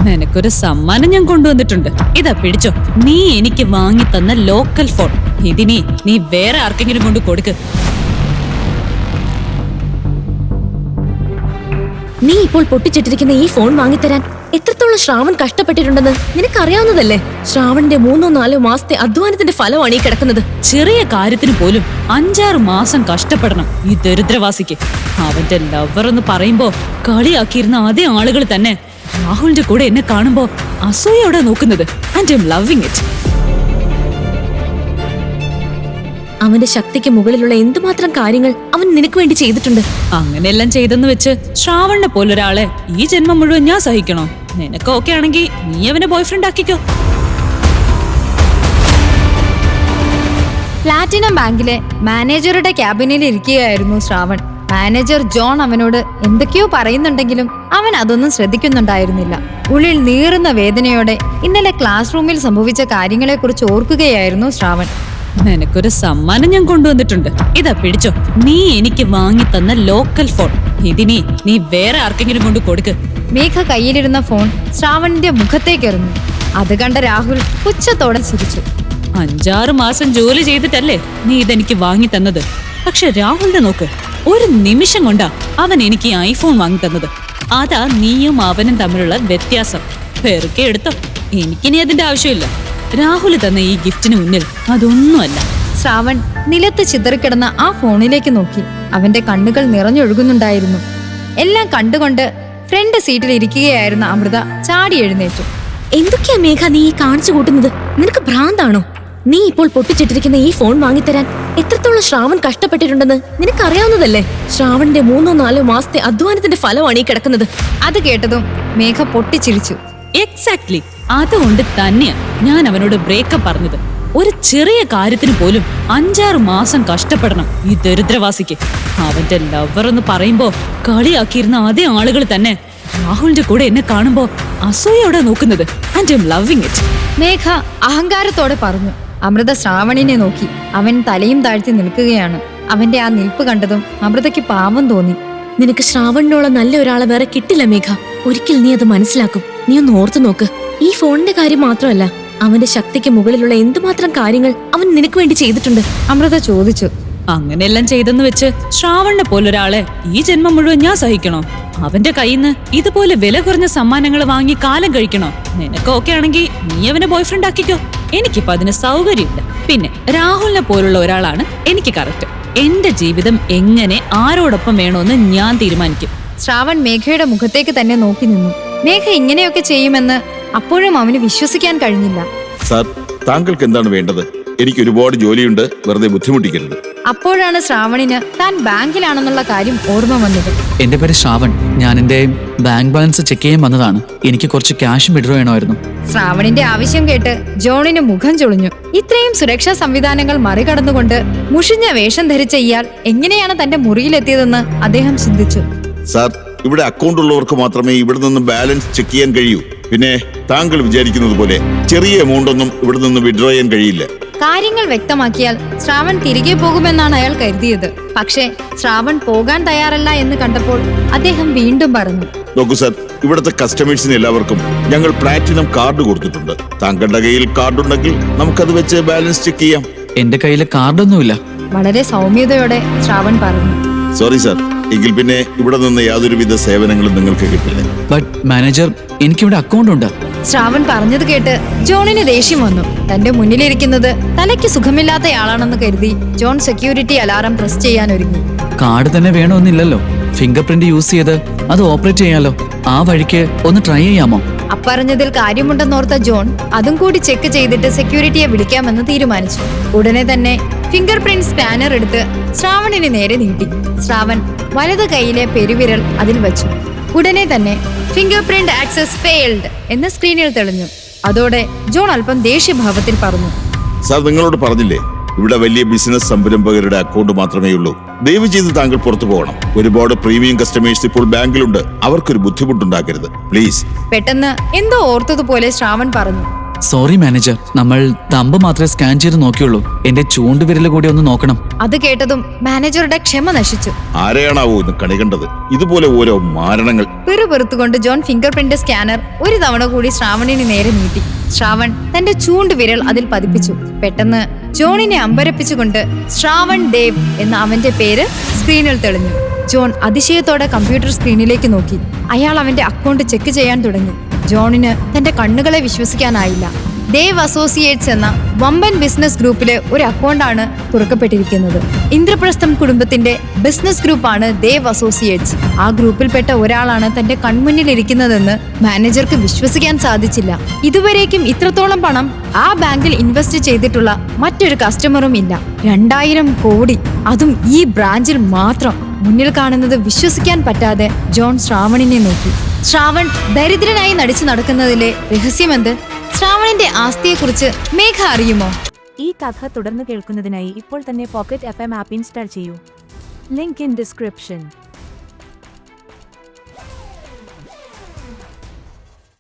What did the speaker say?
നിനക്കൊരു സമ്മാനം ഞാൻ കൊണ്ടുവന്നിട്ടുണ്ട്. ഇതാ പിടിച്ചോ. നീ എനിക്ക് വാങ്ങി തന്ന ലോക്കൽ ഫോൺ. ഇതിനി നീ വേറെ ആർക്കെങ്കിലും കൊണ്ട് കൊടുക്ക്. നീ ഇപ്പോൾ പൊട്ടിച്ചിട്ടിരിക്കുന്ന ഈ ഫോൺ വാങ്ങിത്തരാൻ എത്രത്തോളം ശ്രാവൺ കഷ്ടപ്പെട്ടിട്ടുണ്ടെന്ന് നിനക്കറിയാവുന്നതല്ലേ? ശ്രാവണിന്റെ 3-4 മാസത്തെ അധ്വാനത്തിന്റെ ഫലമാണ് ഈ കിടക്കുന്നത്. ചെറിയ കാര്യത്തിന് പോലും 5-6 മാസം കഷ്ടപ്പെടണം ഈ ദരിദ്രവാസിക്ക്. അവന്റെ ലവർ എന്ന് പറയുമ്പോ കളിയാക്കിയിരുന്ന അതേ ആളുകൾ തന്നെ രാഹുലിന്റെ കൂടെ എന്നെ കാണുമ്പോ അസൂയോടെ നോക്കുന്നത്. And I am loving it. അവന്റെ ശക്തിക്ക് മുകളിലുള്ള എന്തുമാത്രം കാര്യങ്ങൾ അവൻ നിനക്ക് വേണ്ടി ചെയ്തിട്ടുണ്ട്. അങ്ങനെയെല്ലാം ചെയ്തെന്ന് വെച്ച് ശ്രാവണിനെ പോലൊരാളെ ഈ ജന്മം മുഴുവൻ ഞാൻ സഹിക്കണോ? നിനക്ക് ഓക്കെ ആണെങ്കിൽ നീ അവനെ ബോയ്ഫ്രണ്ട് ആക്കിക്കോ. പ്ലാറ്റിനം ബാങ്കിലെ മാനേജറുടെ ക്യാബിനിൽ ഇരിക്കുകയായിരുന്നു ശ്രാവൺ. മാനേജർ ജോൺ അവനോട് എന്തൊക്കെയോ പറയുന്നുണ്ടെങ്കിലും അവൻ അതൊന്നും ശ്രദ്ധിക്കുന്നുണ്ടായിരുന്നില്ല. ഉള്ളിൽ നീറുന്ന വേദനയോടെ ഇന്നലെ ക്ലാസ് റൂമിൽ സംഭവിച്ച കാര്യങ്ങളെക്കുറിച്ച് ഓർക്കുകയായിരുന്നു ശ്രാവൺ. നിനക്കൊരു സമ്മാനം ഞാൻ കൊണ്ടുവന്നിട്ടുണ്ട്. ഇതാ പിടിച്ചോ. നീ എനിക്ക് വാങ്ങി തന്ന ലോക്കൽ ഫോൺ. ഇതിനി നീ വേറെ ആർക്കെങ്കിലും കൊണ്ട് കൊടുക്ക്. മേഘ കയ്യിലിരുന്ന ഫോൺ ശ്രാവണിന്റെ മുഖത്തേക്കെറിഞ്ഞു. അത് കണ്ട രാഹുൽ പുച്ഛത്തോടെ ചിരിച്ചു. 5-6 മാസം ജോലി ചെയ്തിട്ടല്ലേ നീ ഇതെനിക്ക് വാങ്ങി തന്നത്. പക്ഷെ രാഹുലിനെ നോക്ക്, ഒരു നിമിഷം കൊണ്ടാ അവൻ എനിക്ക് ഐഫോൺ വാങ്ങി തന്നത്. അതാ നീയും അവനും തമ്മിലുള്ള വ്യത്യാസം. പെറുക്കെ എടുത്തോ. എനിക്കിനി അതിന്റെ ആവശ്യമില്ല. രാഹുൽ തന്ന ഈ ഗിഫ്റ്റിന് മുന്നിൽ അതൊന്നുമല്ല. ശ്രാവൺ നിലത്ത് ചിതറിക്കിടന്ന ആ ഫോണിലേക്ക് നോക്കി. അവന്റെ കണ്ണുകൾ നിറഞ്ഞൊഴുകുന്നുണ്ടായിരുന്നു. എല്ലാം കണ്ടുകൊണ്ട് ഫ്രണ്ട് സീറ്റിൽ ഇരിക്കുകയായിരുന്ന അമൃത ചാടി എഴുന്നേറ്റു. എന്തൊക്കെയാ മേഘ നീ ഈ കാണിച്ചു കൂട്ടുന്നത്? നിനക്ക് ഭ്രാന്താണോ? നീ ഇപ്പോൾ പൊട്ടിച്ചിട്ടിരിക്കുന്ന ഈ ഫോൺ വാങ്ങിത്തരാൻ എത്രത്തോളം ശ്രാവൺ കഷ്ടപ്പെട്ടിട്ടുണ്ടെന്ന് നിനക്കറിയാവുന്നതല്ലേ? ശ്രാവണിന്റെ 3-4 മാസത്തെ അധ്വാനത്തിന്റെ ഫലമാണ് ഈ കിടക്കുന്നത്. അത് കേട്ടതും മേഘ പൊട്ടിച്ചിരിച്ചു. എക്സാക്ട്ലി. അതുകൊണ്ട് തന്നെയാ ഞാൻ അവനോട് ബ്രേക്കപ്പ് പറഞ്ഞത്. ഒരു ചെറിയ കാര്യത്തിന് പോലും 5-6 മാസം കഷ്ടപ്പെടണം ഈ ദരിദ്രവാസിക്ക്. അവന്റെ ലവർ എന്ന് പറയുമ്പോ കളിയാക്കിയിരുന്ന അതേ ആളുകൾ തന്നെ രാഹുലിന്റെ കൂടെ എന്നെ കാണുമ്പോ അസൂയോടെ നോക്കുന്നത്. And I am loving it. Megha അഹങ്കാരത്തോടെ പറഞ്ഞു. അമൃത ശ്രാവണിനെ നോക്കി. അവൻ തലയും താഴ്ത്തി നിൽക്കുകയാണ്. അവന്റെ ആ നിൽപ്പ് കണ്ടതും അമൃതയ്ക്ക് പാവം തോന്നി. നിനക്ക് ശ്രാവണിനോളം നല്ല ഒരാളെ വേറെ കിട്ടില്ല മേഘ. ഒരിക്കൽ നീ അത് മനസ്സിലാക്കും. നീ ഒന്ന് ഓർത്തു നോക്ക്. ഈ ഫോണിന്റെ കാര്യം മാത്രമല്ല, അവന്റെ ശക്തിക്ക് മുകളിലുള്ള എന്തുമാത്രം കാര്യങ്ങൾ അവൻ നിനക്ക് വേണ്ടി ചെയ്തിട്ടുണ്ട്. അമൃത ചോദിച്ചു. അങ്ങനെയെല്ലാം ചെയ്തെന്ന് വെച്ച് ശ്രാവണിനെ പോലൊരാളെ ഈ ജന്മം മുഴുവൻ ഞാൻ സഹിക്കണോ? അവന്റെ കയ്യിന്ന് ഇതുപോലെ വില കുറഞ്ഞ സമ്മാനങ്ങൾ വാങ്ങി കാലം കഴിക്കണോ? നിനക്ക് ഓക്കെ ആണെങ്കിൽ നീ അവനെ ബോയ്ഫ്രണ്ട് ആക്കിക്കോ. എനിക്കിപ്പോ അതിന് സൗകര്യമില്ല. പിന്നെ രാഹുലിനെ പോലുള്ള ഒരാളാണ് എനിക്ക് കറക്റ്റ്. എന്റെ ജീവിതം എങ്ങനെ ആരോടൊപ്പം വേണോന്ന് ഞാൻ തീരുമാനിക്കും. ശ്രാവൺ മേഘയുടെ മുഖത്തേക്ക് തന്നെ നോക്കി നിന്നു. മേഘ ഇങ്ങനെയൊക്കെ ചെയ്യുമെന്ന് അപ്പോഴും അവന് വിശ്വസിക്കാൻ കഴിഞ്ഞില്ല. സാർ, താങ്കൾക്ക് എന്താണ് വേണ്ടത്? എനിക്ക് ഒരുപാട് ജോലിയുണ്ട്, വെറുതെ ബുദ്ധിമുട്ടിക്കരുത്. അപ്പോഴാണ് ശ്രാവണിന് താൻ ബാങ്കിലാണെന്നുള്ള കാര്യം ഓർമ്മ വന്നത്. എന്റെ പേര് ശ്രാവൺ. ഞാൻ എന്റെ ബാങ്ക് ബാലൻസ് ചെക്ക് ചെയ്യാൻ വന്നതാണ്. എനിക്ക് കുറച്ച് ക്യാഷ് വിഡ്രോ ചെയ്യണമായിരുന്നു. ശ്രാവണിന്റെ ആവശ്യം കേട്ട് ജോണിന് മുഖം ചൊളിഞ്ഞു. ഇത്രയും സുരക്ഷാ സംവിധാനങ്ങൾ മറികടന്നുകൊണ്ട് മുഷിഞ്ഞ വേഷം ധരിച്ച ഇയാൾ എങ്ങനെയാണ് തന്റെ മുറിയിലെത്തിയതെന്ന് അദ്ദേഹം ചിന്തിച്ചു. സാർ, ഇവിടെ അക്കൗണ്ട് ഉള്ളവർക്ക് മാത്രമേ ഇവിടെ നിന്ന് ബാലൻസ് ചെക്ക് ചെയ്യാൻ കഴിയൂ. പിന്നെ താങ്കൾ വിചാരിക്കുന്നത് പോലെ ചെറിയ എമൗണ്ട് ഒന്നും ഇവിടെ നിന്ന് വിഡ്രോ ചെയ്യാൻ കഴിയില്ല. കാര്യങ്ങൾ വ്യക്തമാക്കിയാൽ ശ്രാവൺ തിരികെ പോകുമെന്നാണ് അയാൾ കരുതിയത്. പക്ഷേ ശ്രാവൺ പോകാൻ തയ്യാറല്ല എന്ന് കണ്ടപ്പോൾ അദ്ദേഹം വീണ്ടും പറഞ്ഞു. നോക്കൂ സാർ, ഇവിടുത്തെ കസ്റ്റമേഴ്സിന് എല്ലാവർക്കും ഞങ്ങൾ പ്ലാറ്റിനം കാർഡ് കൊടുത്തിട്ടുണ്ട്. താങ്കളുടെ കയ്യിൽ കാർഡ് ഉണ്ടെങ്കിൽ നമുക്കത് വെച്ച് ബാലൻസ് ചെക്ക് ചെയ്യാം. എന്റെ കയ്യിൽ കാർഡൊന്നുമില്ല. വളരെ സൗമ്യതയോടെ ശ്രാവൺ പറഞ്ഞു. സോറി സാർ, എങ്കിൽ പിന്നെ ഇവിടെ നിന്ന് യാതൊരുവിധ സേവനങ്ങളും നിങ്ങൾക്ക് കിട്ടില്ല. ബട്ട് മാനേജർ, എനിക്കിവിടെ അക്കൗണ്ട് ഉണ്ട്. ശ്രാവൺ പറഞ്ഞത് കേട്ട് ജോണിന് ദേഷ്യം വന്നു. തന്റെ മുന്നിലിരിക്കുന്നത് തലയ്ക്ക് സുഖമില്ലാത്തയാളാണെന്ന് കരുതി ജോൺ സെക്യൂരിറ്റി അലാറം പ്രസ് ചെയ്യാൻ ഒരുങ്ങി. കാർഡ് തന്നെ വേണമെന്നില്ലല്ലോ. ഫിംഗർ പ്രിന്റ് യൂസ് ചെയ്ത് അത് ഓപ്പറേറ്റ് ചെയ്യാലോ. ആ വഴിക്ക് ഒന്ന് ട്രൈ ചെയ്യാമോ? അപ്പറഞ്ഞതിൽ കാര്യമുണ്ടെന്നോർത്ത ജോൺ അതും കൂടി ചെക്ക് ചെയ്തിട്ട് സെക്യൂരിറ്റിയെ വിളിക്കാമെന്ന് തീരുമാനിച്ചു. ഉടനെ തന്നെ ഫിംഗർ പ്രിന്റ് സ്കാനർ എടുത്ത് ശ്രാവണിന് നേരെ നീട്ടി. ശ്രാവൺ വലത് കൈയിലെ പെരുവിരൽ അതിൽ വച്ചു. ഉടനെ തന്നെ ഫിംഗർ പ്രിന്റ് ആക്സസ് ഫെയിൽഡ് എന്ന് സ്ക്രീനിൽ തെളിഞ്ഞു. അതോടെ ജോൺ അല്പം ദേഷ്യഭാവത്തിൽ പറഞ്ഞു. സാർ, നിങ്ങളോട് പറഞ്ഞില്ലേ ഇവിടെ വലിയ ബിസിനസ് സംരംഭകരുടെ അക്കൗണ്ട് മാത്രമേ ഉള്ളൂ. ദയവ് ചെയ്ത് താങ്കൾ പുറത്തു പോകണം. ഒരുപാട് പ്രീമിയം കസ്റ്റമേഴ്സ് ഇപ്പോൾ ബാങ്കിലുണ്ട്. അവർക്കൊരു ബുദ്ധിമുട്ടുണ്ടാക്കരുത് പ്ലീസ്. പെട്ടെന്ന് എന്തോ ഓർത്തതുപോലെ ശ്രാവൺ പറഞ്ഞു. സോറി മാനേജർ, നമ്മൾ തമ്പ് മാത്രമേ സ്കാൻ ചെയ്ത് നോക്കിയുള്ളൂ. എന്റെ ചൂണ്ടുവിരൽ കൂടി ഒന്ന് നോക്കണം. അത് കേട്ടതും മാനേജറുടെ ക്ഷമ നശിച്ചു. ആരെയാണാവോ ഇന്ന് കണി കണ്ടത്? ഇതുപോലെ ഓരോ മാരണങ്ങൾ. പിറുപിറുത്തുകൊണ്ട് ജോൺ ഫിംഗർ പ്രിന്റ് സ്കാനർ ഒരു തവണ കൂടി ശ്രാവണിന് നേരെ നീട്ടി. ശ്രാവൺ തന്റെ ചൂണ്ടുവിരൽ അതിൽ പതിപ്പിച്ചു. പെട്ടെന്ന് ജോണിനെ അമ്പരപ്പിച്ചുകൊണ്ട് ശ്രാവൺ ദേവ് എന്ന അവന്റെ പേര് സ്ക്രീനിൽ തെളിഞ്ഞു. ജോൺ അതിശയത്തോടെ കമ്പ്യൂട്ടർ സ്ക്രീനിലേക്ക് നോക്കി. അയാൾ അവന്റെ അക്കൗണ്ട് ചെക്ക് ചെയ്യാൻ തുടങ്ങി. ജോണിന് തന്റെ കണ്ണുകളെ വിശ്വസിക്കാനായില്ല. ദേവ് അസോസിയേറ്റ്സ് എന്ന വമ്പൻ ബിസിനസ് ഗ്രൂപ്പിലെ ഒരു അക്കൗണ്ടാണ് തുറക്കപ്പെട്ടിരിക്കുന്നത്. ഇന്ദ്രപ്രസ്ഥം കുടുംബത്തിന്റെ ബിസിനസ് ഗ്രൂപ്പാണ് ദേവ് അസോസിയേറ്റ്സ്. ആ ഗ്രൂപ്പിൽപ്പെട്ട ഒരാളാണ് തന്റെ കൺമുന്നിലിരിക്കുന്നതെന്ന് മാനേജർക്ക് വിശ്വസിക്കാൻ സാധിച്ചില്ല. ഇതുവരേക്കും ഇത്രത്തോളം പണം ആ ബാങ്കിൽ ഇൻവെസ്റ്റ് ചെയ്തിട്ടുള്ള മറ്റൊരു കസ്റ്റമറും ഇല്ല. 2000 കോടി, അതും ഈ ബ്രാഞ്ചിൽ മാത്രം. മുന്നിൽ കാണുന്നത് വിശ്വസിക്കാൻ പറ്റാതെ ജോൺ ശ്രാവണിനെ നോക്കി. ശ്രാവൺ ദരിദ്രനായി നടിച്ചു നടക്കുന്നതിലെ രഹസ്യമെന്ത്? ശ്രാവണിന്റെ ആസ്തിയെക്കുറിച്ച് മേഘ അറിയുമോ? ഈ കഥ തുടർന്ന് കേൾക്കുന്നതിനായി ഇപ്പോൾ തന്നെ പോക്കറ്റ് FM ആപ്പ് ഇൻസ്റ്റാൾ ചെയ്യൂ. Link in description.